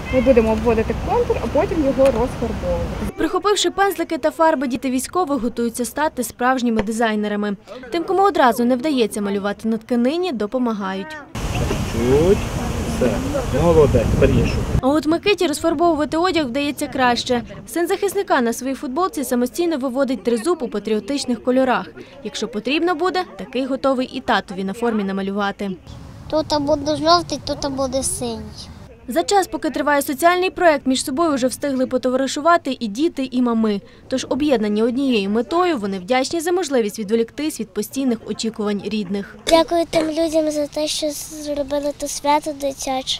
Ми будемо обводити контур, а потім його розфарбовувати. Прихопивши пензлики та фарби, діти військових готуються стати справжніми дизайнерами. Тим, кому одразу не вдається малювати на тканині, допомагають. Чуть. Все. Молодець, перішу. А от Микиті розфарбовувати одяг вдається краще. Син захисника на своїй футболці самостійно виводить тризуб у патріотичних кольорах. Якщо потрібно буде, такий готовий і татові на формі намалювати. Тут буде жовтий, тут буде синій. За час, поки триває соціальний проєкт, між собою вже встигли потоваришувати і діти, і мами. Тож об'єднані однією метою, вони вдячні за можливість відволіктись від постійних очікувань рідних. Дякую тим людям за те, що зробили те свято дитяче.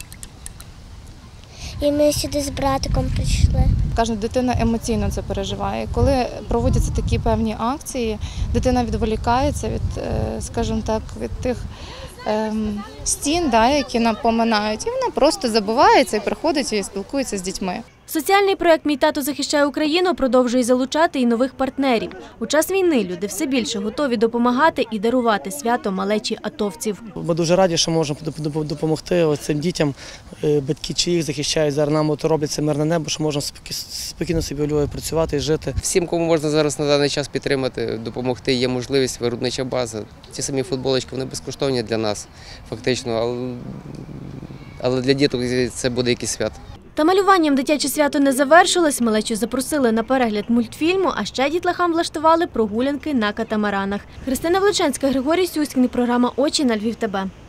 І ми сюди з братиком прийшли. Кожна дитина емоційно це переживає. Коли проводяться такі певні акції, дитина відволікається від, скажімо так, від тих стін, які напоминають, і вона просто забувається і приходить і спілкується з дітьми. Соціальний проєкт «Мій тато захищає Україну» продовжує залучати і нових партнерів. У час війни люди все більше готові допомагати і дарувати свято малечі атовців. Ми дуже раді, що можемо допомогти цим дітям, батьки чи їх захищають, зараз нам роблять це мирне небо, що можемо спокійно собі у Львові працювати і жити. Всім, кому можна зараз на даний час підтримати, допомогти, є можливість, виробнича база. Ці самі футболочки, вони безкоштовні для нас, фактично, але для діток це буде якийсь свято. Та малюванням дитяче свято не завершилось. Малечу запросили на перегляд мультфільму, а ще дітлахам влаштували прогулянки на катамаранах. Христина Влеченська, Григорій Сюськін, програма «Очі» на Львів ТБ.